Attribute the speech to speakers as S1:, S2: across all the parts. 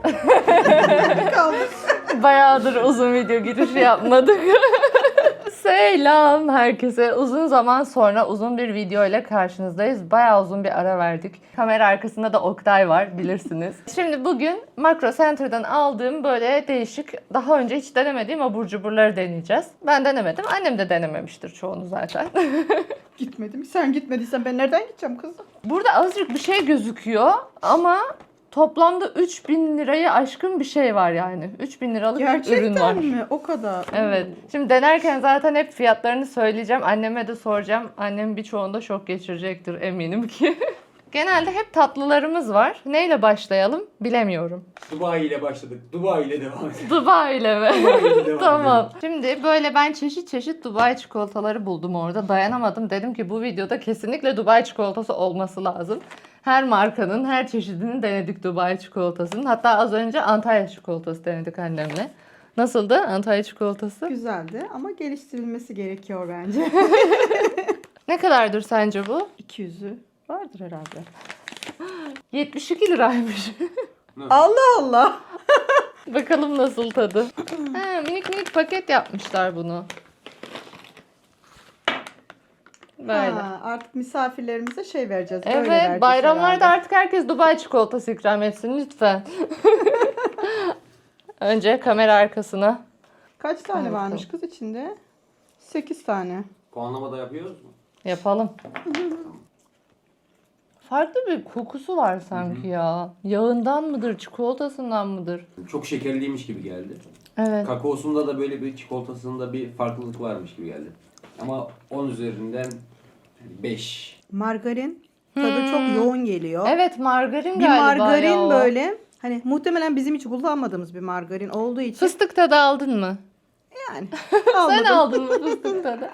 S1: Kaldık.
S2: Bayağıdır uzun video girişi yapmadık. Selam herkese. Uzun zaman sonra uzun bir video ile karşınızdayız. Bayağı uzun bir ara verdik. Kamera arkasında da Oktay var bilirsiniz. Şimdi bugün Makro Center'dan aldığım böyle değişik, daha önce hiç denemediğim abur cuburları deneyeceğiz. Ben denemedim. Annem de denememiştir çoğunu zaten.
S1: Gitmedim. Sen gitmediysen ben nereden gideceğim kızım?
S2: Burada azıcık bir şey gözüküyor ama toplamda 3000 lirayı aşkın bir şey var yani. 3000 liralık bir ürün var.
S1: Gerçekten mi? O kadar.
S2: Evet. Şimdi denerken zaten hep fiyatlarını söyleyeceğim. Anneme de soracağım. Annem birçoğunda şok geçirecektir eminim ki. Genelde hep tatlılarımız var. Neyle başlayalım bilemiyorum.
S3: Dubai ile başladık. Dubai ile devam edelim.
S2: Dubai ile mi?
S3: Dubai ile devam
S2: Tamam.
S3: edelim.
S2: Şimdi böyle ben çeşit çeşit Dubai çikolataları buldum orada. Dayanamadım. Dedim ki bu videoda kesinlikle Dubai çikolatası olması lazım. Her markanın, her çeşidini denedik Dubai çikolatasının. Hatta az önce Antalya çikolatası denedik annemle. Nasıldı Antalya çikolatası?
S1: Güzeldi ama geliştirilmesi gerekiyor bence.
S2: Ne kadardır sence bu?
S1: 200'ü vardır herhalde.
S2: 72 liraymış.
S1: Allah Allah.
S2: Bakalım nasıl tadı. Ha, minik minik paket yapmışlar bunu. Böyle.
S1: Ha, artık misafirlerimize şey vereceğiz. Böyle
S2: Evet,
S1: vereceğiz
S2: bayramlarda
S1: herhalde.
S2: artık herkes Dubai çikolatası ikram etsin lütfen. Önce kamera arkasına.
S1: Kaç tane
S2: Bakalım.
S1: varmış kız içinde? 8 tane.
S3: Puanlama da yapıyoruz mu?
S2: Yapalım. Farklı bir kokusu var sanki ya. Yağından mıdır, çikolatasından mıdır?
S3: Çok şekerliymiş gibi geldi.
S2: Evet.
S3: Kakaosunda da böyle bir çikolatasında bir farklılık varmış gibi geldi. Ama 10 üzerinden 5.
S1: Margarin tadı çok yoğun geliyor.
S2: Evet, margarin
S1: Bir
S2: galiba
S1: margarin
S2: ya o.
S1: böyle hani muhtemelen bizim hiç kullanmadığımız bir margarin olduğu için
S2: Fıstık tadı aldın mı?
S1: yani
S2: Sen
S1: almadım.
S2: aldın mı fıstık tadı?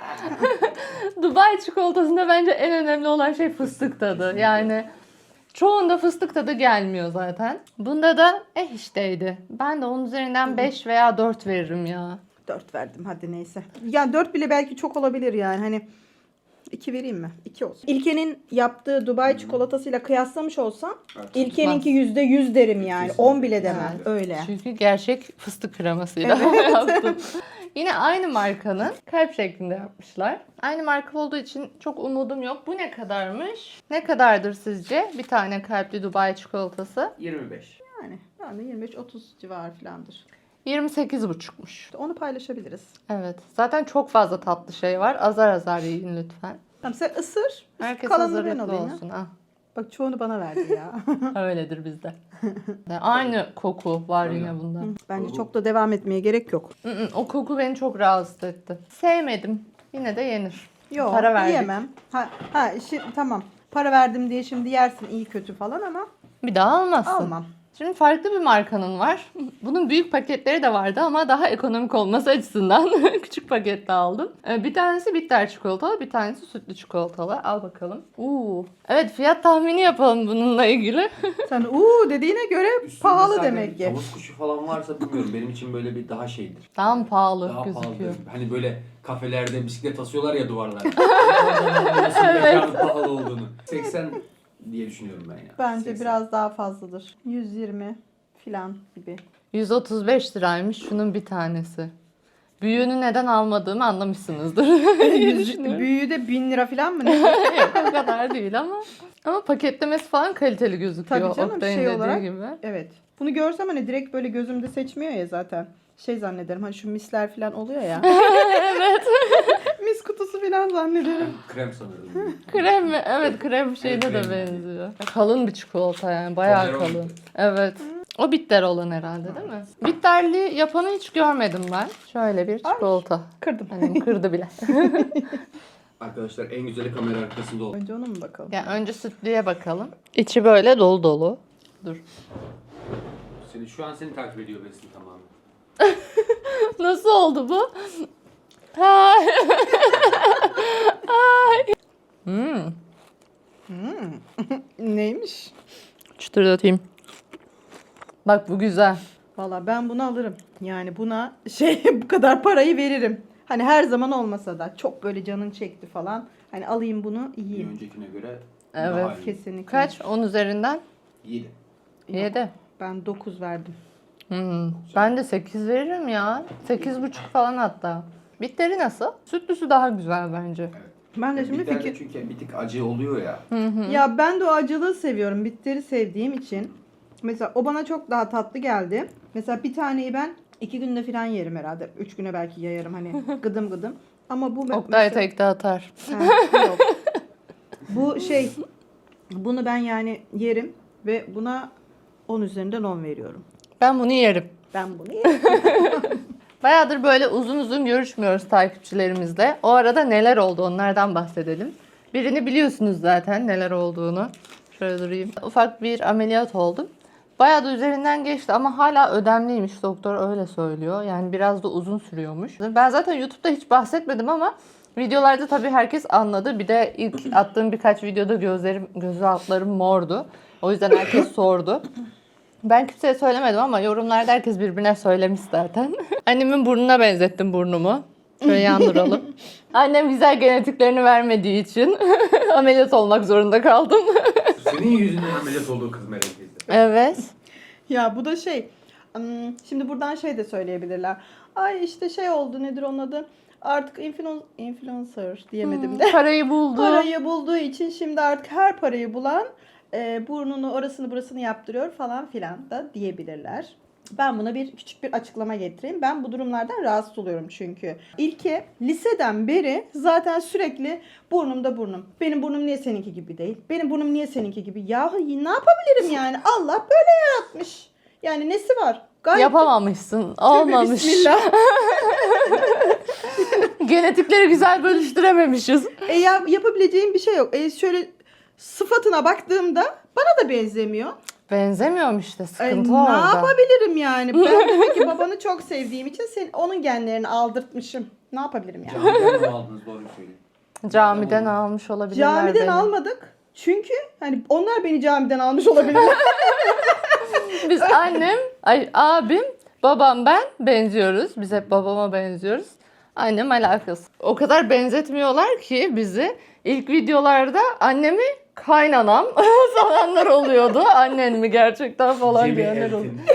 S2: Dubai çikolatasında bence en önemli olan şey fıstık tadı. Yani çoğunda fıstık tadı gelmiyor zaten. Bunda da işteydi. Ben de onun üzerinden 5 veya 4 veririm ya.
S1: 4 verdim hadi neyse. Yani 4 bile belki çok olabilir yani hani 2 vereyim mi? 2 olsun. İlkenin yaptığı Dubai çikolatasıyla kıyaslamış olsam İlkeninki %100 derim yani.
S3: Kesinlikle.
S1: 10 bile demem.
S2: Evet.
S1: Öyle.
S2: Çünkü gerçek fıstık kremasıyla yaptım. Yine aynı markanın kalp şeklinde yapmışlar. Aynı marka olduğu için çok umudum yok. Bu ne kadarmış? Ne kadardır sizce? Bir tane kalpli Dubai çikolatası.
S3: 25.
S1: Yani ben de 25-30 civarı falandır.
S2: 28,5'muş.
S1: Onu paylaşabiliriz.
S2: Evet. Zaten çok fazla tatlı şey var. Azar azar yiyin lütfen.
S1: Tamam sen ısır.
S2: Herkes
S1: Kalanını ben
S2: hazırlıklı
S1: alayım ya.
S2: olsun. Ah,
S1: Bak çoğunu bana verdi ya.
S2: öyledir bizde. Aynı koku var
S3: Aynen.
S2: yine bunda.
S1: Bence çok da devam etmeye gerek yok.
S2: O koku beni çok rahatsız etti. Sevmedim. Yine de yenir.
S1: Yok
S2: Para verdik.
S1: yiyemem. Tamam. Para verdim diye şimdi yersin iyi kötü falan ama
S2: Bir daha almazsın.
S1: almam.
S2: Şimdi farklı bir markanın var. Bunun büyük paketleri de vardı ama daha ekonomik olması açısından küçük pakette aldım. Bir tanesi bitter çikolatalı, bir tanesi sütlü çikolatalı. Al bakalım. Evet, fiyat tahmini yapalım bununla ilgili.
S1: Sen dediğine göre
S3: Üstünde
S1: pahalı
S3: zaten
S1: demek ki.
S3: Tavus kuşu falan varsa bilmiyorum. Benim için böyle bir daha şeydir.
S2: Daha mı pahalı
S3: Daha
S2: gözüküyor?
S3: pahalı. Hani böyle kafelerde bisiklet asıyorlar ya duvarlara. Evet. Pahalı olduğunu. 80 diye düşünüyorum ben ya.
S1: Bence
S3: 80.
S1: biraz daha fazladır. 120 filan gibi.
S2: 135 liraymış şunun bir tanesi. Büyüğünü neden almadığımı anlamışsınızdır. diye düşünüyorum.
S1: Büyüğü de 1000 lira filan mı ne?
S2: Yok, o kadar değil ama paketlemesi falan kaliteli gözüküyor.
S1: Tabii canım,
S2: Oktay'ın
S1: şey
S2: dediği
S1: olarak.
S2: gibi.
S1: Evet. Bunu görsem hani direkt böyle gözümde seçmiyor ya zaten. Şey zannederim hani şu misler falan oluyor ya.
S2: Evet.
S1: Mis kutusu falan zannederim.
S3: Krem sanırım.
S2: Krem mi? Evet, krem şeyine
S3: Evet,
S2: de
S3: krem.
S2: benziyor. Kalın bir çikolata yani. Bayağı
S3: Toblerone.
S2: kalın. Evet. O bitter olan herhalde değil mi? Bitterli yapanı hiç görmedim ben. Şöyle bir çikolata.
S1: Kırdım.
S2: Hani kırdı bile.
S3: Arkadaşlar en güzeli kamera arkasında oldu.
S1: Önce ona mı bakalım?
S2: Yani önce sütlüye bakalım. İçi böyle dolu dolu. Dur.
S3: Şu an seni takip ediyor Besin tamamen.
S2: Nasıl oldu bu? Ay. Ay.
S1: Neymiş?
S2: Çıtırdatayım. Bak bu güzel.
S1: Valla ben bunu alırım. Yani buna bu kadar parayı veririm. Hani her zaman olmasa da çok böyle canın çekti falan. Hani alayım bunu
S3: Bir
S1: yiyeyim.
S3: öncekine göre
S2: Evet.
S3: daha iyi.
S1: Kesinlikle.
S2: Kaç? 10 üzerinden?
S3: 7.
S2: 7.
S1: Ben 9 verdim.
S2: Ben de 8 veririm ya. 8,5 falan hatta. Bitteri nasıl? Sütlüsü daha güzel bence.
S1: Ben de şimdi
S3: Bitter de
S1: fikir...
S3: çünkü bir tık acı oluyor ya.
S1: Ya ben de o acılığı seviyorum. Bitteri sevdiğim için. Mesela o bana çok daha tatlı geldi. Mesela bir taneyi ben 2 günde falan yerim herhalde. 3 güne belki yayarım hani gıdım gıdım. Ama bu
S2: Oktay tekte atar.
S1: Yok. Bu şey, bunu ben yani yerim ve buna 10 üzerinden 10 veriyorum.
S2: Ben bunu yerim.
S1: Ben bunu yerim.
S2: Bayağıdır böyle uzun uzun görüşmüyoruz takipçilerimizle. O arada neler oldu onlardan bahsedelim. Birini biliyorsunuz zaten neler olduğunu. Şöyle durayım. Ufak bir ameliyat oldum. Bayağı da üzerinden geçti ama hala ödemliymiş, doktor öyle söylüyor. Yani biraz da uzun sürüyormuş. Ben zaten YouTube'da hiç bahsetmedim ama videolarda tabii herkes anladı. Bir de ilk attığım birkaç videoda göz altlarım mordu. O yüzden herkes sordu. Ben kimseye söylemedim ama yorumlarda herkes birbirine söylemiş zaten. Annemin burnuna benzettim burnumu. Şöyle yandıralım. Annem güzel genetiklerini vermediği için ameliyat olmak zorunda kaldım.
S3: Senin yüzünden ameliyat olduğu kız Melek teyze.
S2: Evet.
S1: Ya bu da şey, şimdi buradan şey de söyleyebilirler. Ay işte şey oldu, nedir onun adı? Artık influencer diyemedim de.
S2: Parayı buldu.
S1: Parayı bulduğu için şimdi artık her parayı bulan burnunu orasını burasını yaptırıyor falan filan da diyebilirler. Ben buna küçük bir açıklama getireyim. Ben bu durumlardan rahatsız oluyorum çünkü. İlke liseden beri zaten sürekli burnumda burnum. Benim burnum niye seninki gibi değil? Benim burnum niye seninki gibi? Yahu ne yapabilirim yani? Allah böyle yaratmış. Yani nesi var? Gayet
S2: Yapamamışsın.
S1: Tövbe
S2: Olmamış.
S1: Bismillah.
S2: Genetikleri güzel bölüştürememişiz.
S1: Yapabileceğim bir şey yok. Şöyle sıfatına baktığımda bana da benzemiyor.
S2: Benzemiyorum işte. Sıkıntı
S1: Ne
S2: orada.
S1: yapabilirim yani? Ben demek ki babanı çok sevdiğim için onun genlerini aldırtmışım. Ne yapabilirim yani?
S3: Camiden mi aldınız doğru söyleyin.
S2: Camiden almış olabilirler
S1: Camiden
S2: beni.
S1: almadık. Çünkü hani onlar beni camiden almış olabilirler.
S2: Biz abim, babam ben benziyoruz. Biz hep babama benziyoruz. Annem alakası. O kadar benzetmiyorlar ki bizi. İlk videolarda annemi kaynanam sananlar oluyordu. Annen mi gerçekten falan
S3: Cem'i
S2: diyenler oldu.
S3: eltin.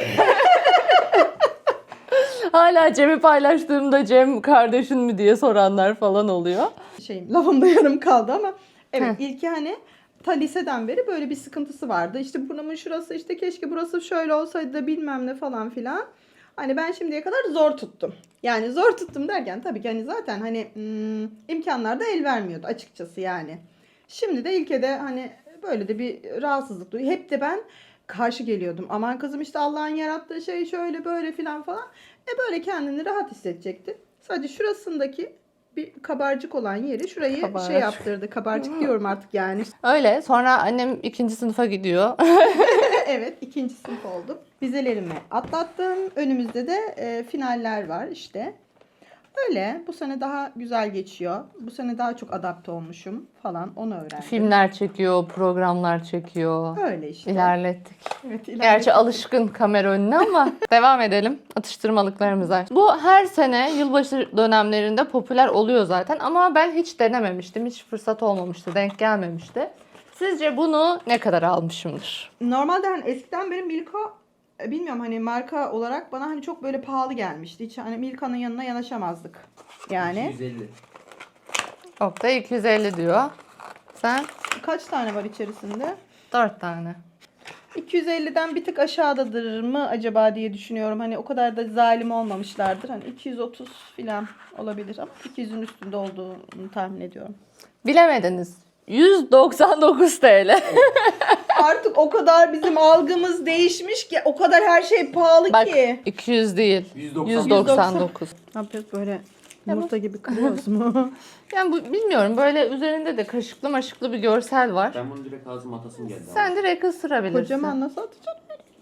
S2: Hala Cem'i paylaştığımda Cem kardeşin mi diye soranlar falan oluyor.
S1: Lafımda yarım kaldı ama evet
S2: Heh.
S1: ilki hani ta liseden beri böyle bir sıkıntısı vardı. İşte burnumun şurası işte keşke burası şöyle olsaydı da bilmem ne falan filan. Hani ben şimdiye kadar zor tuttum. Yani zor tuttum derken tabii ki hani zaten hani imkanlar da el vermiyordu açıkçası yani. Şimdi de ilke de hani böyle de bir rahatsızlık duyuyor. Hep de ben karşı geliyordum. Aman kızım işte Allah'ın yarattığı şey şöyle böyle filan falan. Böyle kendini rahat hissedecekti. Sadece şurasındaki bir kabarcık olan yeri şurayı
S2: Kabarcık.
S1: şey yaptırdı. Kabarcık diyorum artık yani.
S2: Öyle. Sonra annem 2. sınıfa gidiyor.
S1: Evet, 2. sınıf oldum. Vizelerimi atlattım. Önümüzde de finaller var işte. Öyle. Bu sene daha güzel geçiyor. Bu sene daha çok adapte olmuşum falan. Onu öğrendim.
S2: Filmler çekiyor, programlar çekiyor.
S1: Öyle işte.
S2: İlerlettik.
S1: Evet,
S2: Gerçi alışkın kamera önüne ama devam edelim atıştırmalıklarımıza. Bu her sene yılbaşı dönemlerinde popüler oluyor zaten ama ben hiç denememiştim. Hiç fırsat olmamıştı, denk gelmemişti. Sizce bunu ne kadar almışımdır?
S1: Normalde hani eskiden benim Milka bilmiyorum hani marka olarak bana hani çok böyle pahalı gelmişti. Hiç hani Milka'nın yanına yanaşamazdık. Yani
S3: 250.
S2: Oktay 250 diyor. Sen
S1: kaç tane var içerisinde?
S2: 4 tane.
S1: 250'den bir tık aşağıdadır mı acaba diye düşünüyorum. Hani o kadar da zalim olmamışlardır. Hani 230 falan olabilir ama 200'ün üstünde olduğunu tahmin ediyorum.
S2: Bilemediniz. 199 TL.
S1: Artık o kadar bizim algımız değişmiş ki o kadar her şey pahalı
S2: Bak
S1: ki.
S2: 200 değil. 199.
S1: Ne yapıyoruz böyle yumurta gibi kırıyoruz mu?
S2: Yani bu bilmiyorum böyle üzerinde de kaşıklı maşıklı bir görsel var.
S3: Ben bunu direkt ağzıma atasım geldi.
S2: Sen direkt ısırabilirsin.
S1: Kocaman nasıl atacağım?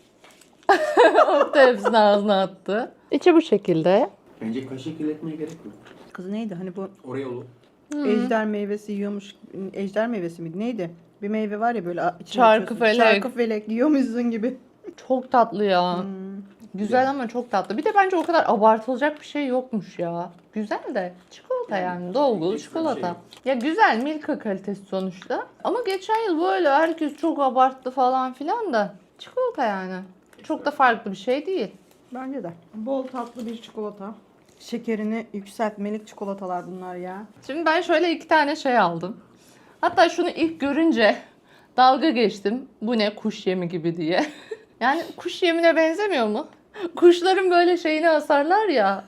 S2: Oktay hepsini ağzına attı. İçi bu şekilde.
S3: Bence kaşık kirletmeye gerek yok.
S1: Kız neydi hani bu
S3: Oraya olur.
S1: ejder meyvesi yiyormuş. Ejder meyvesi miydi? Neydi? Bir meyve var ya böyle içine
S2: Çarkı
S1: atıyorsun.
S2: felek.
S1: Çarkı felek yiyormuşsun gibi.
S2: Çok tatlı ya. Güzel ama çok tatlı. Bir de bence o kadar abartılacak bir şey yokmuş ya. Güzel de çikolata yani dolgulu
S3: ekstra bir
S2: çikolata.
S3: şey yok.
S2: Ya güzel Milka kalitesi sonuçta. Ama geçen yıl böyle herkes çok abarttı falan filan da. Çikolata yani. Çok da farklı bir şey değil.
S1: Bence de. Bol tatlı bir çikolata. Şekerini yükseltmelik çikolatalar bunlar ya.
S2: Şimdi ben şöyle 2 tane şey aldım. Hatta şunu ilk görünce dalga geçtim. Bu ne, kuş yemi gibi diye. Yani kuş yemine benzemiyor mu? Kuşların böyle şeyini asarlar ya.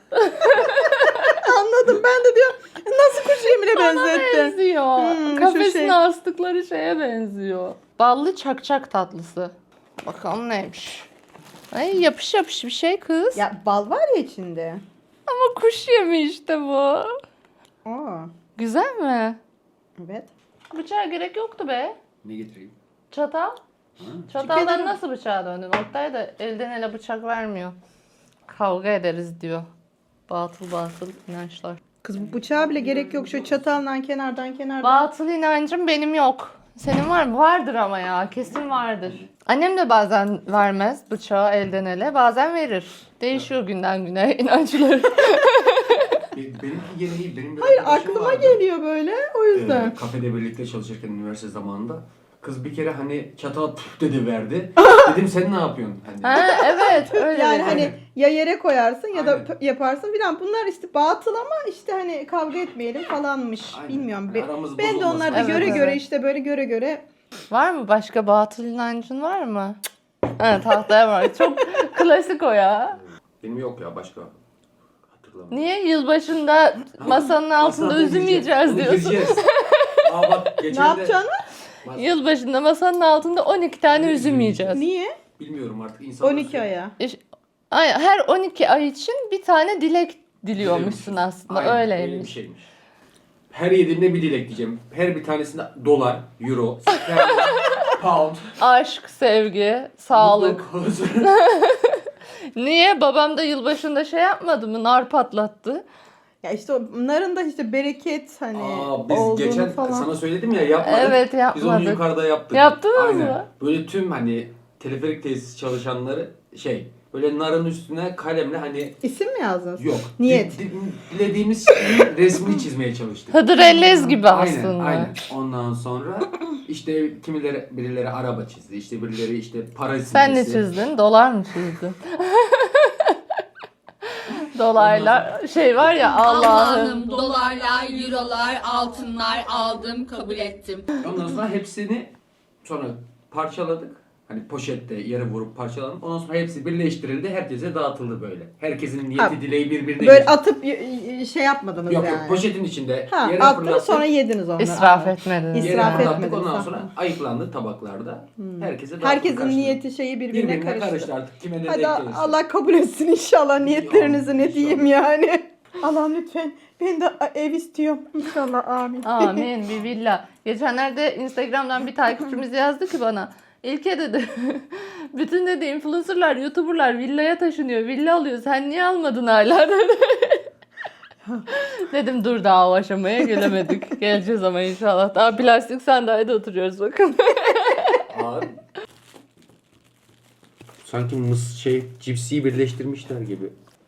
S1: Anladım, ben de diyorum nasıl kuş yemine
S2: Ona
S1: benzettin?
S2: benziyor.
S1: Şu
S2: Kafesine
S1: şey.
S2: astıkları şeye benziyor. Ballı çakçak tatlısı. Bakalım neymiş. Ay yapış yapış bir şey kız.
S1: Ya bal var ya içinde.
S2: Ama kuş yemi işte bu.
S1: Aa,
S2: Güzel mi?
S1: evet.
S2: Bıçağa gerek yoktu be.
S3: Ne getireyim?
S2: Çatal.
S3: Ha?
S2: Çataldan
S1: Kenara-
S2: nasıl bıçağa döndün? Oktay da elden ele bıçak vermiyor. Kavga ederiz diyor. Batıl batıl inançlar.
S1: Kız bu bıçağa bile gerek yok. Şu çataldan kenardan.
S2: Batıl inancım benim yok. Senin var mı? Vardır ama ya. Kesin vardır. Annem de bazen vermez bıçağı elden ele. Bazen verir. Değişiyor günden güne inançları.
S3: Benimki gene iyi. Benim bir
S1: Hayır,
S3: arkadaşım
S1: aklıma
S3: vardı.
S1: geliyor böyle. O yüzden.
S3: Kafede birlikte çalışırken üniversite zamanında. Kız bir kere hani çatal püf dedi verdi. Dedim sen ne yapıyorsun? Hani,
S2: Ha evet öyle.
S1: Yani
S2: dedi.
S1: hani ya yere koyarsın ya da
S3: Aynen.
S1: yaparsın filan. Bunlar işte batıl ama işte hani kavga etmeyelim falanmış.
S3: Aynen.
S1: Bilmiyorum.
S3: Yani aramız
S1: Ben de
S3: bozulmasın.
S1: onlarda
S2: Evet,
S1: göre
S2: evet.
S1: göre işte böyle göre.
S2: Var mı başka batıl inancın var mı? Ha tahtaya var. Çok klasik o ya.
S3: Benim yok ya başka. Hatırlamıyorum.
S2: Niye yılbaşında masanın altında üzüm yiyeceğiz diyorsun?
S3: Yiyeceğiz. Aa bak geçen
S1: Ne
S3: de...
S1: yapacaksın?
S2: Yılbaşında masanın altında 12 tane üzüm yiyeceğiz.
S1: Niye?
S3: Bilmiyorum artık insanlar...
S1: 12 aya.
S2: Ay, her 12 ay için bir tane dilek diliyormuşsun aslında.
S3: Aynen, öyle bir
S2: Öyleymiş.
S3: şeymiş. Her yediğimde bir dilek diyeceğim. Her bir tanesinde dolar, euro, sterlin, pound,
S2: Aşk, sevgi, sağlık.
S3: mutluluk, huzur.
S2: Niye? Babam da yılbaşında şey yapmadı mı? Nar patlattı.
S1: Ya işte onların da işte bereket hani
S3: Biz
S1: olduğunu
S3: geçen
S1: falan.
S3: sana söyledim ya yapmadık.
S2: Evet
S3: Biz onu
S2: yapmadık.
S3: yukarıda yaptık.
S2: Yaptınız
S3: Aynen.
S2: mı?
S3: Böyle tüm hani teleferik tesis çalışanları böyle narın üstüne kalemle hani
S1: İsim mi yazdınız?
S3: yok.
S1: Niyet.
S3: Dilediğimiz şeyin resmini çizmeye çalıştık.
S2: Hıdrellez gibi aslında.
S3: Aynen. Ondan sonra işte birileri araba çizdi. İşte birileri işte para çizdi.
S2: Sen ne çizdin? Dolar mı çizdin? Dolaylar şey var ya Allah'ım.
S4: Allah'ım dolarlar, eurolar, altınlar aldım, kabul ettim.
S3: Ondan sonra hepsini sonra parçaladık. Hani poşette yere vurup parçaladık. Ondan sonra hepsi birleştirildi. Herkese dağıtıldı böyle. Herkesin niyeti
S1: Ha,
S3: dileği birbirine
S1: Böyle
S3: geçti.
S1: atıp şey yapmadınız
S3: Yok
S1: yani.
S3: yok poşetin içinde
S1: Ha,
S3: yere
S1: attınız
S3: fırlattık.
S1: sonra yediniz onları.
S2: İsraf
S1: Anladım.
S2: etmediniz.
S3: Yere
S1: İsraf
S3: fırlattık.
S1: etmediniz,
S3: Ondan
S1: ha.
S3: sonra ayıklandı tabaklarda. Herkese dağıttık.
S1: Herkesin
S3: karşılığı.
S1: niyeti şeyi birbirine karıştı.
S3: karıştı artık. Kime ne
S1: Hadi
S3: denk gelirse.
S1: Allah kabul etsin inşallah niyetlerinizi, ne
S3: İnşallah.
S1: diyeyim yani. Allah'ım lütfen ben de ev istiyorum. İnşallah amin.
S2: Amin bir villa. Geçenlerde Instagram'dan bir takipçimiz yazdı ki bana. İlke dedi. Bütün dedi influencerlar, youtuberlar villaya taşınıyor. Villa alıyor. Sen niye almadın hala dedi. Dedim dur daha o aşamaya gelemedik. Geleceğiz ama inşallah. Daha plastik sandalyede oturuyoruz bakın.
S3: Ağır. Sanki cipsiyi birleştirmişler gibi.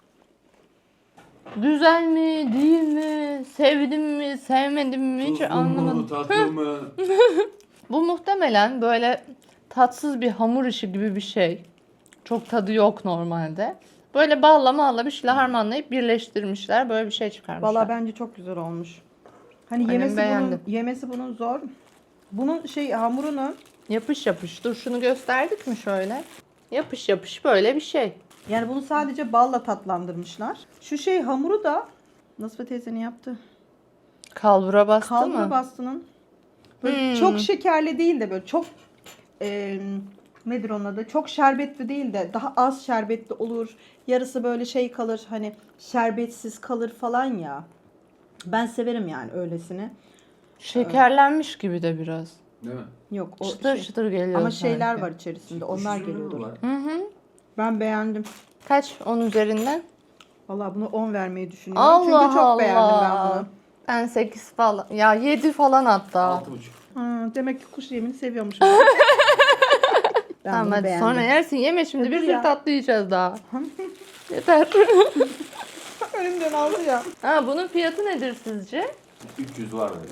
S2: Güzel mi, değil mi, sevdim mi, sevmedim mi hiç anlamadım.
S3: Tatlı mı?
S2: Bu muhtemelen böyle tatsız bir hamur işi gibi bir şey. Çok tadı yok normalde. Böyle balla malla bir şeyle harmanlayıp birleştirmişler. Böyle bir şey çıkarmışlar.
S1: Valla bence çok güzel olmuş. Hani
S2: Annem beğendi.
S1: yemesi bunun zor. Bunun hamurunu
S2: Yapış yapış. Dur şunu gösterdik mi şöyle? Yapış yapış böyle bir şey.
S1: yani bunu sadece balla tatlandırmışlar. Şu hamuru da Nasıl teyzenin yaptı?
S2: Kalbura bastı
S1: Kalbura
S2: mı?
S1: bastının böyle çok şekerli değil de böyle çok nedir onun adı? Çok şerbetli değil de daha az şerbetli olur. Yarısı böyle kalır hani şerbetsiz kalır falan ya. Ben severim yani öylesini.
S2: Şekerlenmiş gibi de biraz.
S3: Değil mi?
S1: Yok o
S2: Çıtır çıtır geliyor
S1: ama
S2: sanki.
S1: şeyler var içerisinde. Onlar
S3: Kuş üzümü
S1: geliyordur.
S3: var.
S2: Hı hı.
S1: Ben beğendim.
S2: Kaç 10 üzerinden?
S1: Vallahi bunu 10 vermeyi düşünüyorum.
S2: Allah
S1: Çünkü çok
S2: Allah.
S1: beğendim ben bunu.
S2: Ben 8 falan. Ya 7 falan hatta.
S3: 6,5.
S1: Demek ki kuş yemini seviyormuşum. Ben
S2: Tamam
S1: bunu
S2: hadi
S1: beğendim.
S2: sonra yersin. Yeme şimdi bir
S1: Dur
S2: sürü
S1: ya.
S2: tatlı yiyeceğiz daha. Yeter.
S1: Önümden aldı ya.
S2: Ha, bunun fiyatı nedir sizce?
S3: 300 var böyle.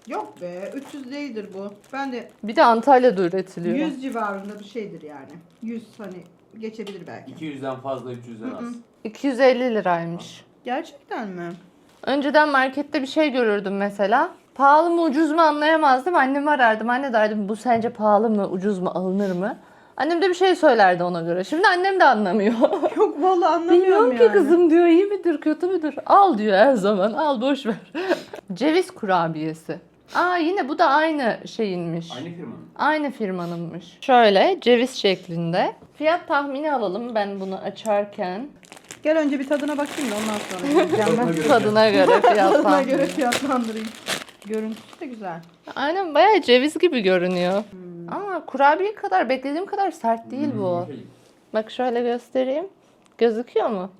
S1: Yok be 300 değildir bu. Ben de
S2: Bir de Antalya'da üretiliyor.
S1: 100 civarında bir şeydir yani. 100 hani geçebilir belki.
S3: 200'den fazla 300'den az.
S2: 250 liraymış.
S1: Gerçekten mi?
S2: Önceden markette bir şey görürdüm mesela. Pahalı mı ucuz mu anlayamazdım. Annemi arardım. Anne derdim bu sence pahalı mı ucuz mu alınır mı? Annem de bir şey söylerdi ona göre. Şimdi annem de anlamıyor.
S1: Yok vallahi anlamıyorum
S2: Bilmiyorum
S1: yani.
S2: ki kızım diyor iyi midir kötü müdür? Al diyor her zaman al boş ver. Ceviz kurabiyesi. Aa yine bu da aynı şeyinmiş.
S3: Aynı firmanın.
S2: Aynı firmanınmış. Şöyle ceviz şeklinde. Fiyat tahmini alalım ben bunu açarken.
S1: Gel önce bir tadına bakayım da ondan sonra yiyeceğim ben.
S3: Tadına göre.
S2: Tadına göre fiyat
S1: Tadına
S2: tahmini.
S1: göre fiyatlandırayım. Görüntüsü de güzel.
S2: Aynen bayağı ceviz gibi görünüyor. Ama kurabiye kadar beklediğim kadar sert değil bu.
S3: Şey,
S2: Bak şöyle göstereyim. Gözüküyor mu?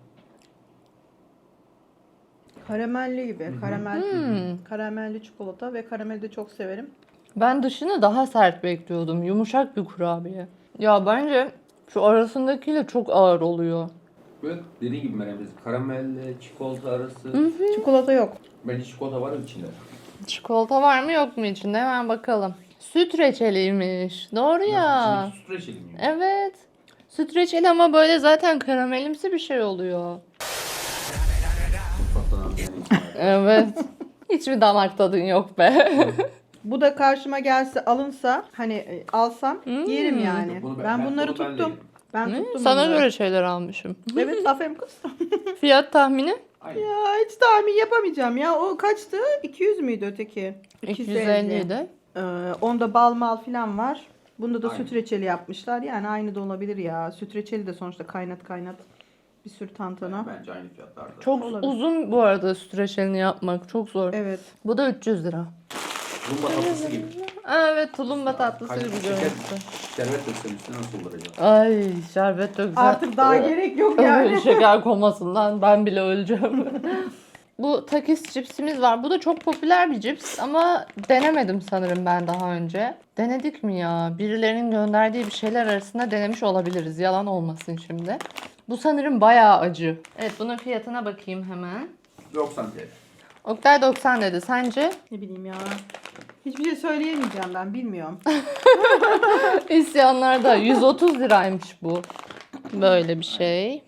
S1: Karamelli gibi. Karamelli çikolata ve karameli de çok severim.
S2: Ben dışını daha sert bekliyordum. Yumuşak bir kurabiye. Ya bence şu arasındakiyle çok ağır oluyor.
S3: böyle dediğin gibi Meryem teyze, karamelle, çikolata arası.
S1: Çikolata yok.
S3: Bence çikolata var içinde.
S2: Çikolata var mı yok mu içinde? Hemen bakalım. Süt reçeliymiş. Doğru ya.
S3: İçindeki süt reçeli mi?
S2: Evet. Süt reçeli ama böyle zaten karamelimsi bir şey oluyor.
S3: Mutfaktan anlayan
S2: Evet. Hiçbir damak tadın yok be.
S1: Bu da karşıma gelse alınsa hani alsam yerim yani.
S3: Bunu
S1: Ben bunları
S3: bunu ben de
S1: tuttum.
S3: yerim.
S1: Ben tuttum
S2: Sana
S1: bunları.
S2: göre şeyler almışım.
S1: Evet aferin kız.
S2: Fiyat tahmini?
S3: Aynen.
S1: Ya hiç tahmin yapamayacağım ya. O kaçtı? 200 müydü öteki?
S2: 250 idi.
S1: Onda bal mal falan var. Bunda da
S3: Aynen.
S1: süt reçeli yapmışlar. Yani aynı da olabilir ya. Süt reçeli de sonuçta kaynat bir sürü tantana.
S3: Bence aynı fiyatlarda.
S2: Çok
S1: Olabilir.
S2: uzun bu arada süt reçelini yapmak. Çok zor.
S1: Evet.
S2: Bu da 300 lira.
S3: Rumba tatlısı gibi.
S2: Evet tulumba tatlısı
S3: Kaynak
S2: gibi
S3: şeker,
S2: görüntüsü.
S3: şerbet döksen üstüne nasıl olur acaba?
S2: Ay şerbet de güzel.
S1: Artık daha gerek yok yani.
S2: Şeker komasından ben bile öleceğim. Bu takis cipsimiz var. Bu da çok popüler bir cips ama denemedim sanırım ben daha önce. Denedik mi ya? Birilerinin gönderdiği bir şeyler arasında denemiş olabiliriz. Yalan olmasın şimdi. Bu sanırım bayağı acı. Evet bunun fiyatına bakayım hemen.
S3: 90 TL.
S2: Oktay 90 dedi. Sence?
S1: Ne bileyim ya. Hiçbir şey söyleyemeyeceğim ben bilmiyorum.
S2: İsyanlarda 130 liraymış bu. Böyle bir şey.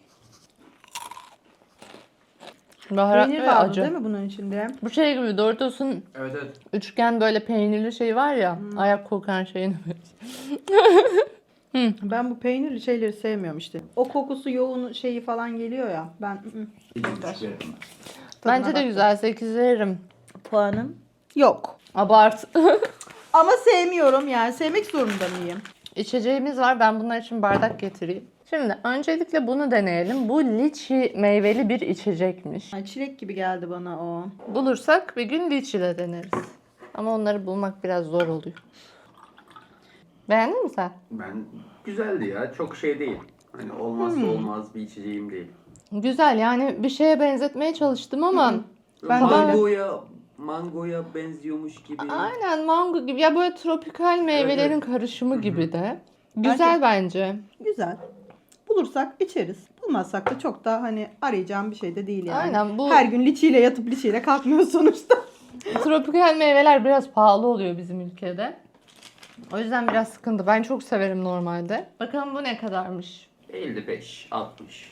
S2: Baharat
S1: Peynir
S2: ve
S1: vardı
S2: acı.
S1: değil mi bunun içinde?
S2: Bu şey gibi Doritos'un
S3: Evet evet.
S2: üçgen böyle peynirli şey var ya. Ayak kokan şeyini.
S1: Ben bu peynirli şeyleri sevmiyorum işte. O kokusu yoğun şeyi falan geliyor ya. Ben
S3: İki buçuk veririm ben.
S2: Bence de
S1: baktım.
S2: güzel 8 veririm.
S1: puanım yok.
S2: Abart.
S1: Ama sevmiyorum yani. Sevmek zorunda mıyım?
S2: İçeceğimiz var. Ben bunlar için bardak getireyim. Şimdi öncelikle bunu deneyelim. Bu liçi meyveli bir içecekmiş.
S1: Yani çilek gibi geldi bana o.
S2: Bulursak bir gün liçile deneriz. Ama onları bulmak biraz zor oluyor. Beğendin mi sen?
S3: Ben güzeldi ya. Çok şey değil. Hani olmazsa olmaz bir içeceğim değil.
S2: Güzel yani bir şeye benzetmeye çalıştım ama
S1: Ben de
S3: mangoya benziyormuş gibi.
S2: aynen mango gibi ya böyle tropikal meyvelerin
S3: Evet.
S2: karışımı gibi de. Güzel bence.
S1: güzel. Bulursak içeriz. Bulmazsak da çok da hani arayacağım bir şey de değil yani.
S2: Aynen, bu-
S1: Her gün liçiyle yatıp liçiyle kalkmıyor sonuçta.
S2: Tropikal meyveler biraz pahalı oluyor bizim ülkede. O yüzden biraz sıkıntı. Ben çok severim normalde. Bakalım bu ne kadarmış?
S3: 55, 60.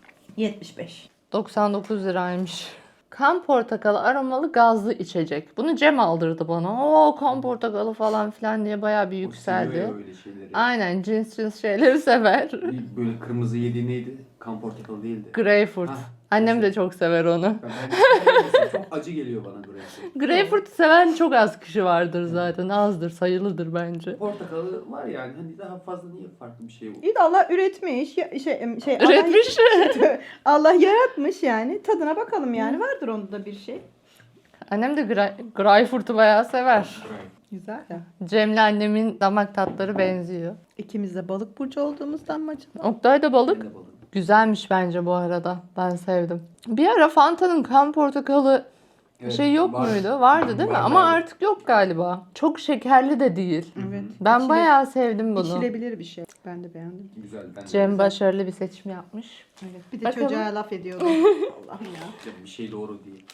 S1: 75.
S2: 99 liraymış. Kan portakalı aromalı gazlı içecek. Bunu Cem aldırdı bana. Oo kan portakalı falan filan diye bayağı bir
S3: O
S2: yükseldi.
S3: seviyor ya öyle şeyleri.
S2: Aynen cins şeyleri sever.
S3: Böyle kırmızı yediği neydi? Kan portakalı değildi.
S2: Greyfurt.
S3: Hah,
S2: Annem de
S3: işte.
S2: çok sever onu.
S3: Ben çok acı geliyor bana greyfurt.
S2: Greyfurt'u seven çok az kişi vardır zaten. Azdır, sayılıdır bence.
S3: Portakalı var yani hani daha fazla niye farklı bir şey bu?
S1: İyi de Allah üretmiş.
S2: Üretmiş.
S1: Allah yaratmış yani. Tadına bakalım yani. Vardır onda da bir şey.
S2: Annem de Greyfurt'u bayağı sever.
S1: Güzel ya.
S2: Cem'le annemin damak tatları benziyor.
S1: İkimiz de balık burcu olduğumuzdan mı acaba?
S2: Oktay da balık.
S3: Ben de balık.
S2: Güzelmiş bence bu arada. Ben sevdim. Bir ara Fanta'nın kan portakalı
S3: Evet,
S2: şey yok
S3: var.
S2: muydu? Vardı değil mi?
S3: Var,
S2: Ama
S3: var.
S2: artık yok galiba. Çok şekerli de değil.
S1: Evet.
S2: Ben bayağı sevdim bunu.
S1: İçilebilir bir şey. Ben de beğendim.
S3: Güzel. Ben de
S2: Cem
S3: güzel.
S2: başarılı bir seçim yapmış.
S1: Evet. Bir de
S2: Bakalım.
S1: çocuğa laf ediyordum. Allah'ım ya.
S3: Bir şey doğru değil.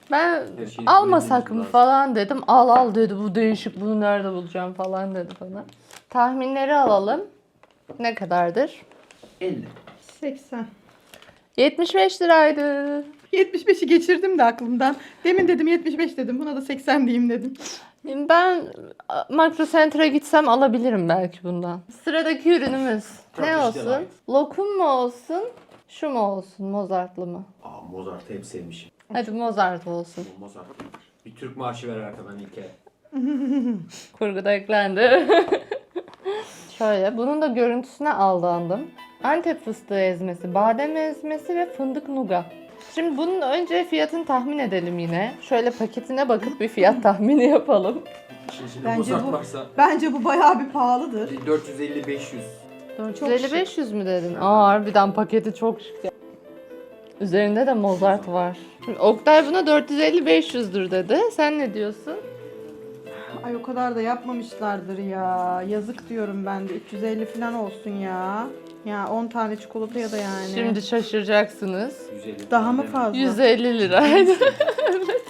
S2: Ben
S3: Her şeyi
S2: almasak
S3: bilmemiz
S2: mı
S3: lazım.
S2: falan dedim. Al dedi, bu değişik, bunu nerede bulacağım falan dedi bana. Tahminleri alalım. Ne kadardır?
S3: 50.
S1: 80.
S2: 75 liraydı.
S1: 75'i geçirdim de aklımdan. Demin dedim 75 dedim. Buna da 80 diyeyim dedim.
S2: Ben Makro Center'a gitsem alabilirim belki bundan. Sıradaki ürünümüz ne
S3: Turkish
S2: olsun?
S3: Delight.
S2: Lokum mu olsun? Şu mu olsun? Mozartlı mı?
S3: Aa, Mozart'ı hep sevmişim.
S2: Hadi Mozart olsun.
S3: Bu Mozart. Bir Türk marşı ver arkadan İlker.
S2: Kurguda eklendi. Şöyle, bunun da görüntüsüne aldandım. Antep fıstığı ezmesi, badem ezmesi ve fındık nuga. Şimdi bunun önce fiyatını tahmin edelim yine. Şöyle paketine bakıp bir fiyat tahmini yapalım.
S3: Şimdi
S1: Bence
S3: Mozart
S1: bu-
S3: varsa
S1: Bence bu bayağı bir pahalıdır.
S3: 450-500.
S2: 450-500 mü dedin? Aa, harbiden paketi çok şık ya. Üzerinde de Mozart var. Şimdi Oktay buna 450-500'dür dedi. Sen ne diyorsun?
S1: Ay o kadar da yapmamışlardır ya. Yazık diyorum ben de. 350 falan olsun ya. Ya 10 tane çikolataya da yani.
S2: Şimdi şaşıracaksınız.
S3: 150.
S1: Daha mı fazla?
S2: 150 liraydı. Evet.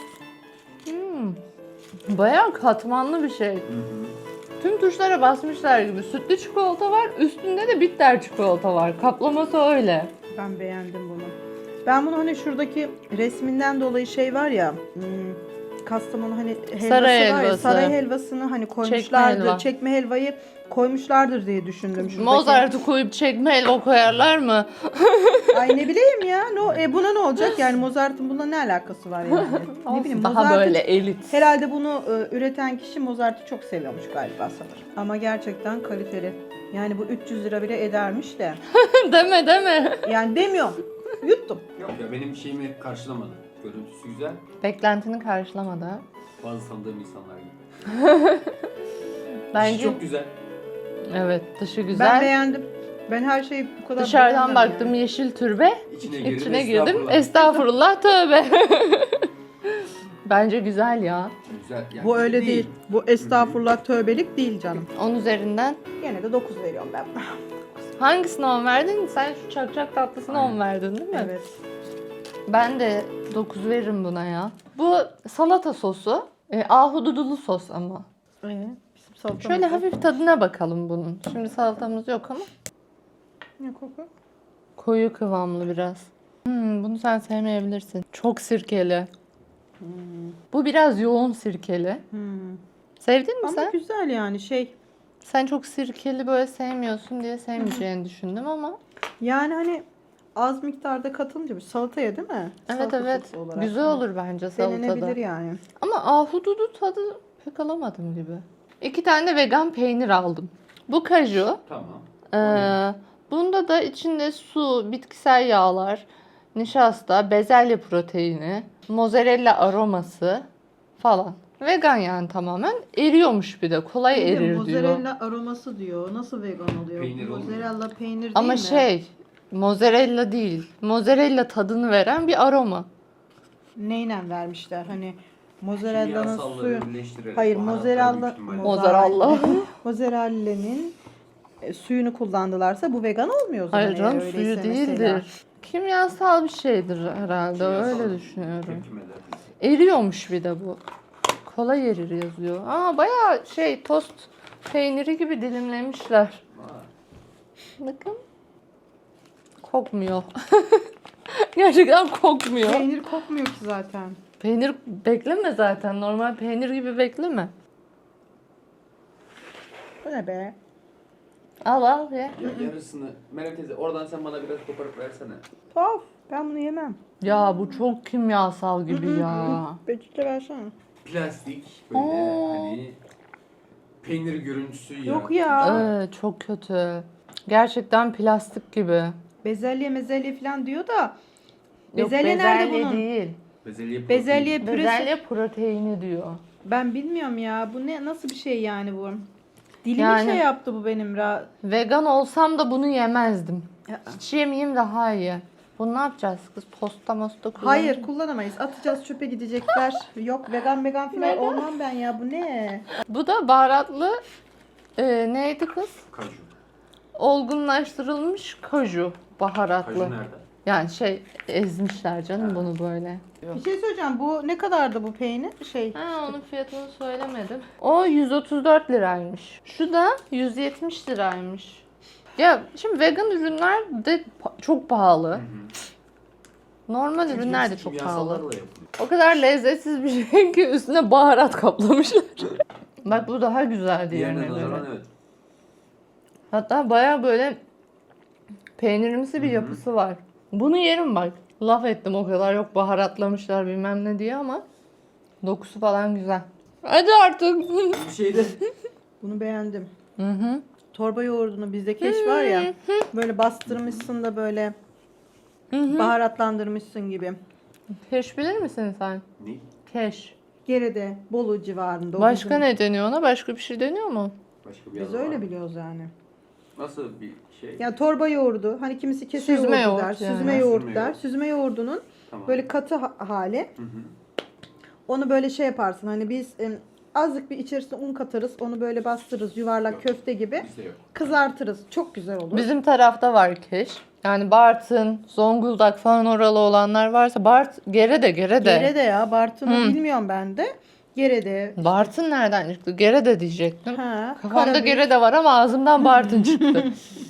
S2: Bayağı katmanlı bir şey.
S3: Hı hı.
S2: Tüm tuşlara basmışlar gibi. Sütlü çikolata var, üstünde de bitter çikolata var. Kaplaması öyle.
S1: Ben beğendim bunu. Ben bunu hani şuradaki resminden dolayı şey var ya. Kastamonu hani helvası
S2: Saray
S1: var ya.
S2: helvası.
S1: Saray helvasını hani koymuşlardır.
S2: helva.
S1: Çekme helvayı koymuşlardır diye düşündüm. Şuradaki.
S2: Mozart'ı koyup çekme helva koyarlar mı?
S1: Ay ne bileyim ya. Buna ne olacak? Yani Mozart'ın buna ne alakası var yani? Ne bileyim
S2: Daha
S1: Mozart'ın
S2: böyle elit.
S1: herhalde bunu üreten kişi Mozart'ı çok seviyormuş galiba sanırım. Ama gerçekten kaliteli. Yani bu 300 lira bile edermiş de.
S2: deme.
S1: Yani demiyorum. Yuttum.
S3: Yok ya benim şeyimi karşılamadı. Görüntüsü güzel.
S2: Beklentini karşılamadı.
S3: Bazı tanıdığım insanlar gibi.
S2: Bence
S3: İçi çok güzel.
S2: evet, dışı
S1: Ben
S2: güzel.
S1: beğendim. Ben her şeyi bu kadar
S2: Dışarıdan
S1: beğendim
S2: baktım
S1: yani.
S2: yeşil türbe.
S3: İçine
S2: girdim. Estağfurullah tövbe. Bence güzel ya.
S3: Güzel. Yani
S1: Bu öyle
S3: iyi
S1: değil. Bu estağfurullah tövbelik değil canım.
S2: 10 üzerinden.
S1: Gene de 9 veriyorum ben.
S2: Hangisine 10 verdin? Sen şu çakçak tatlısına 10 verdin değil mi?
S1: Evet.
S2: Ben de 9 veririm buna ya. Bu salata sosu. Ahududulu sos ama.
S1: Bizim salatamız
S2: Şöyle
S1: var.
S2: hafif tadına bakalım bunun. Şimdi salatamız yok ama.
S1: Ne koku?
S2: Koyu kıvamlı biraz. Bunu sen sevmeyebilirsin. Çok sirkeli. Bu biraz yoğun sirkeli. Sevdin mi
S1: Ama
S2: sen?
S1: güzel yani şey.
S2: Sen çok sirkeli böyle sevmiyorsun diye sevmeyeceğini düşündüm ama.
S1: Yani hani az miktarda katılınca bir salataya değil mi?
S2: Evet
S1: Salata
S2: evet.
S1: sosu olarak.
S2: Güzel olur bence salatada.
S1: Denenebilir yani.
S2: Ama ahududu tadı pek alamadım gibi. 2 tane de vegan peynir aldım. Bu kaju.
S3: Tamam.
S2: Bunda da içinde su, bitkisel yağlar, nişasta, bezelye proteini, mozzarella aroması falan. Vegan yani tamamen. Eriyormuş bir de. Kolay erir diyor.
S1: Mozzarella aroması diyor. Nasıl vegan oluyor?
S3: Peynir olmuyor.
S1: Mozzarella peynir değil
S2: Ama
S1: mi?
S2: mozzarella değil. Mozzarella tadını veren bir aroma.
S1: Neyle vermişler? Hani mozzarella'nın
S3: Kimyasalları
S1: suyu.
S3: birleştirerek
S1: Hayır,
S3: baharatlar büyük ihtimalle.
S2: Mozzarella.
S1: Mozzarella'nın suyunu kullandılarsa bu vegan olmuyor o zaman.
S2: Hayır canım,
S1: eğer
S2: suyu
S1: öyleyse
S2: değildir.
S1: mesela.
S2: Kimyasal bir şeydir herhalde.
S3: Kimyasal
S2: Öyle düşünüyorum.
S3: tepkimeler.
S2: Eriyormuş bir de bu. Kolay erir yazıyor. Bayağı tost peyniri gibi dilimlemişler.
S3: Vay.
S2: Bakın. Kokmuyor. Gerçekten kokmuyor.
S1: Peynir kokmuyor ki zaten.
S2: Peynir bekleme zaten. Normal peynir gibi bekleme.
S1: Bu ne be?
S2: Al ye.
S3: Ya yarısını Meral teyze oradan sen bana biraz koparıp versene.
S1: Tuhaf. Ben bunu yemem.
S2: Ya bu çok kimyasal gibi ya.
S1: Peçete versene.
S3: Plastik böyle
S2: Oo.
S3: hani peynir görüntüsü
S1: Yok
S3: yaratıyor.
S1: ya.
S2: Çok kötü. Gerçekten plastik gibi.
S1: Bezelye falan diyor da.
S2: Yok,
S1: Bezelye nerede bunun?
S2: değil.
S1: Bezelye püresi.
S2: Bezelye proteini diyor.
S1: Ben bilmiyorum ya. Bu ne? Nasıl bir şey yani bu? Dilimi
S2: Yani-
S1: şey yaptı bu benim.
S2: Vegan olsam da bunu yemezdim.
S1: Ya.
S2: Hiç yemeyeyim daha iyi. Bunu ne yapacağız kız? Posta mosta kullanır
S1: Hayır
S2: mı?
S1: kullanamayız. Atacağız çöpe gidecekler. Yok vegan falan olmam ben ya. Bu ne?
S2: Bu da baharatlı neydi kız?
S3: Kaju.
S2: Olgunlaştırılmış kaju baharatlı.
S3: Kaju nerede?
S2: Yani ezmişler canım bunu böyle.
S1: Bir şey söyleyeceğim. Bu ne kadardı bu peynir?
S2: Onun fiyatını söylemedim. O 134 liraymış. Şu da 170 liraymış. Ya şimdi vegan ürünler de çok pahalı. Normal ürünler de çok pahalı. O kadar lezzetsiz bir şey ki üstüne baharat kaplamışlar. Bak bu daha güzel
S3: Diğerine
S2: diğerine göre.
S3: nazaran evet.
S2: Hatta baya böyle peynirimsi bir yapısı var. Bunu yerim bak. Laf ettim o kadar yok baharatlamışlar bilmem ne diye ama dokusu falan güzel. Hadi artık.
S3: Bir şeyde
S1: Bunu beğendim.
S2: Hı hı.
S1: Torba yoğurdunu bizde keş var ya. Böyle bastırmışsın da böyle baharatlandırmışsın gibi.
S2: Keş bilir misin sen?
S3: ne?
S2: Keş.
S1: Geride Bolu civarında. O
S2: Başka
S1: bizim-
S2: ne deniyor ona? Başka bir şey deniyor mu?
S3: Başka bir
S1: Biz
S3: yer var
S1: öyle
S3: mı?
S1: biliyoruz yani.
S3: Nasıl bir şey?
S1: Ya torba yoğurdu. Hani kimisi kese
S2: Süzme
S1: yoğurdu der.
S2: yoğurt yani.
S1: Süzme
S3: Ha,
S1: yoğurt
S3: süzme
S1: der.
S3: yoğurt.
S1: Süzme yoğurdunun
S3: Tamam.
S1: böyle katı hali.
S3: Hı hı.
S1: Onu böyle yaparsın. Hani biz azıcık bir içerisine un katarız. Onu böyle bastırırız. Yuvarlak
S3: Yok.
S1: köfte gibi.
S3: Bizde yok.
S1: Kızartırız. Çok güzel olur.
S2: Bizim tarafta var keş. Yani Bartın, Zonguldak falan oralı olanlar varsa Gerede.
S1: Gerede ya. Bartın'ı bilmiyorum ben de. Gerede.
S2: Bartın nereden çıktı? Gerede diyecektim.
S1: Ha,
S2: Kafamda
S1: Karabük.
S2: Gerede var ama ağzımdan Bartın çıktı.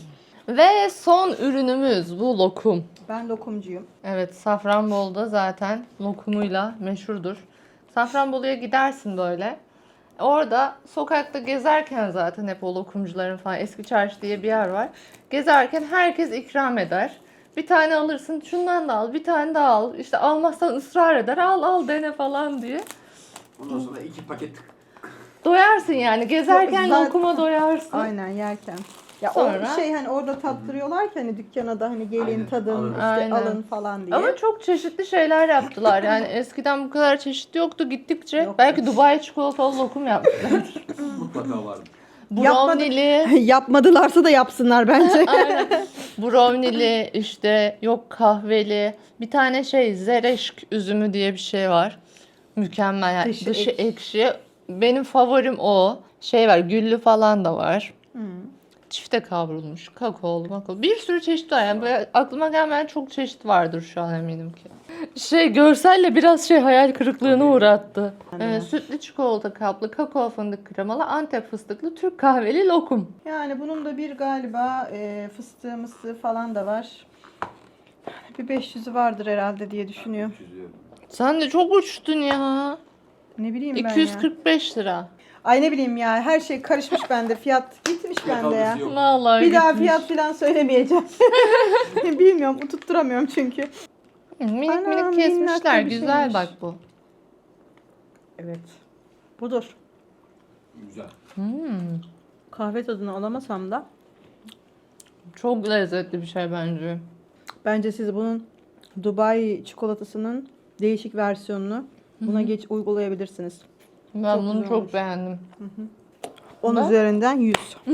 S2: Ve son ürünümüz bu lokum.
S1: Ben lokumcuyum.
S2: Evet, Safranbolu'da zaten lokumuyla meşhurdur. Safranbolu'ya gidersin böyle. Orada sokakta gezerken zaten hep o lokumcuların falan Eski Çarşı diye bir yer var. Gezerken herkes ikram eder. Bir tane alırsın, şundan da al, bir tane daha al. İşte almazsan ısrar eder, al dene falan diye.
S3: Ondan sonra 2 paket
S2: Doyarsın yani. Gezerken
S1: Zaten-
S2: lokuma doyarsın.
S1: Aynen yerken. Ya
S2: Sonra-
S1: o hani orada tattırıyorlar ki hani dükkana da hani gelin
S3: Aynen,
S1: tadın
S3: alın.
S1: işte
S2: Aynen.
S1: alın falan diye.
S2: Ama çok çeşitli şeyler yaptılar. Yani eskiden bu kadar çeşit yoktu. Gittikçe
S1: Yoktu.
S2: belki Dubai çikolatalı lokum yaptılar.
S3: mutlaka vardı.
S2: Brownie'li,
S1: Yapmadılarsa da yapsınlar bence.
S2: aynen. Brownie'li işte yok kahveli. Bir tane zereşk üzümü diye bir şey var. Mükemmel yani.
S1: Dışı
S2: Dışı
S1: ekşi.
S2: ekşi. Benim favorim o. Var güllü falan da var.
S1: Hı.
S2: Çifte kavrulmuş, kakaolu, makaolu. Bir sürü çeşit var. Yani böyle aklıma gelmeyen çok çeşit vardır şu an eminim ki. Görselle biraz hayal kırıklığına uğrattı. Sütlü çikolata kaplı, kakao fındık kremalı, Antep fıstıklı, Türk kahveli lokum.
S1: Yani bunun da bir galiba fıstığı mıstığı falan da var. Bir 500'ü vardır herhalde diye düşünüyorum.
S3: Çözüyorum.
S2: Sen de çok uçtun ya.
S1: Ne bileyim ben ya.
S2: 245 lira.
S1: Ay ne bileyim ya her şey karışmış bende. Fiyat gitmiş bende ya.
S3: Yok.
S2: Vallahi
S1: Bir daha
S2: gitmiş.
S1: fiyat falan söylemeyeceğim. Bilmiyorum tutturamıyorum çünkü.
S2: Minik
S1: Anam,
S2: minik
S1: minnak
S2: kesmişler.
S1: da bir
S2: Güzel
S1: şeymiş.
S2: bak bu.
S1: Evet. Budur.
S3: Güzel.
S1: Kahve tadını alamasam da
S2: Çok lezzetli bir şey bence.
S1: bence siz bunun Dubai çikolatasının değişik versiyonunu buna uygulayabilirsiniz.
S2: Ben
S1: Çok
S2: bunu
S1: güzel
S2: çok
S1: olmuş.
S2: beğendim.
S1: 10
S2: Ben-
S1: üzerinden 100.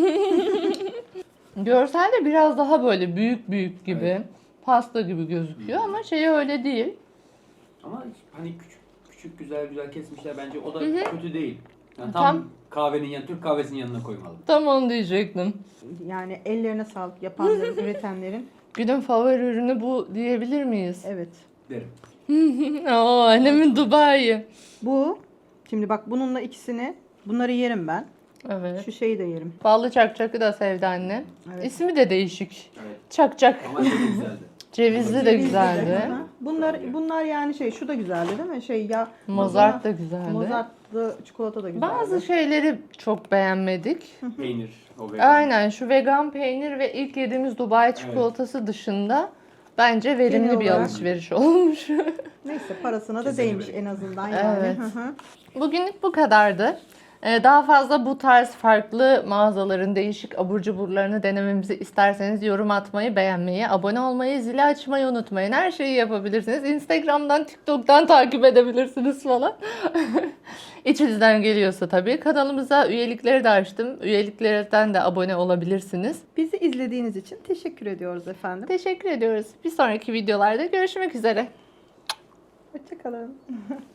S2: Görselde biraz daha böyle büyük gibi.
S3: Evet.
S2: Pasta gibi gözüküyor ama öyle değil.
S3: Ama hani küçük güzel kesmişler bence o da kötü değil. Yani
S2: Tam-
S3: tam kahvenin Türk kahvesinin yanına koymalı.
S2: Tam onu diyecektim.
S1: Yani ellerine sağlık yapanların, üretenlerin.
S2: Günün favori ürünü bu diyebilir miyiz?
S1: Evet.
S3: Derim.
S2: Oo, annemin Dubai.
S1: Bu şimdi bak bununla ikisini bunları yerim ben.
S2: Evet.
S1: Şu şeyi de yerim.
S2: Ballı çakçakı da sevdi anne.
S1: Evet.
S2: İsmi de değişik.
S3: Evet.
S2: Çakçak.
S3: Ama çok güzeldi.
S2: Cevizli de
S1: Cevizli de.
S2: güzeldi.
S1: Hı hı. Bunlar yani şu da güzeldi değil mi? Ya
S2: Mozart da güzeldi.
S1: Mozartlı çikolata da güzeldi.
S2: Bazı şeyleri çok beğenmedik.
S3: Peynir. O vegan.
S2: Aynen şu vegan peynir ve ilk yediğimiz Dubai çikolatası dışında bence verimli
S1: Genel
S2: bir
S1: olarak-
S2: alışveriş olmuş.
S1: Neyse parasına da
S3: Kesinlikle.
S1: değmiş en azından yani.
S2: Evet.
S1: Hı hı.
S2: Bugünlük bu kadardı. Daha fazla bu tarz farklı mağazaların değişik abur cuburlarını denememizi isterseniz yorum atmayı, beğenmeyi, abone olmayı, zili açmayı unutmayın. Her şeyi yapabilirsiniz. Instagram'dan, TikTok'tan takip edebilirsiniz falan. İçinizden geliyorsa tabii. Kanalımıza üyelikleri de açtım. Üyeliklerden de abone olabilirsiniz.
S1: Bizi izlediğiniz için teşekkür ediyoruz efendim.
S2: Teşekkür ediyoruz. Bir sonraki videolarda görüşmek üzere.
S1: Hoşçakalın.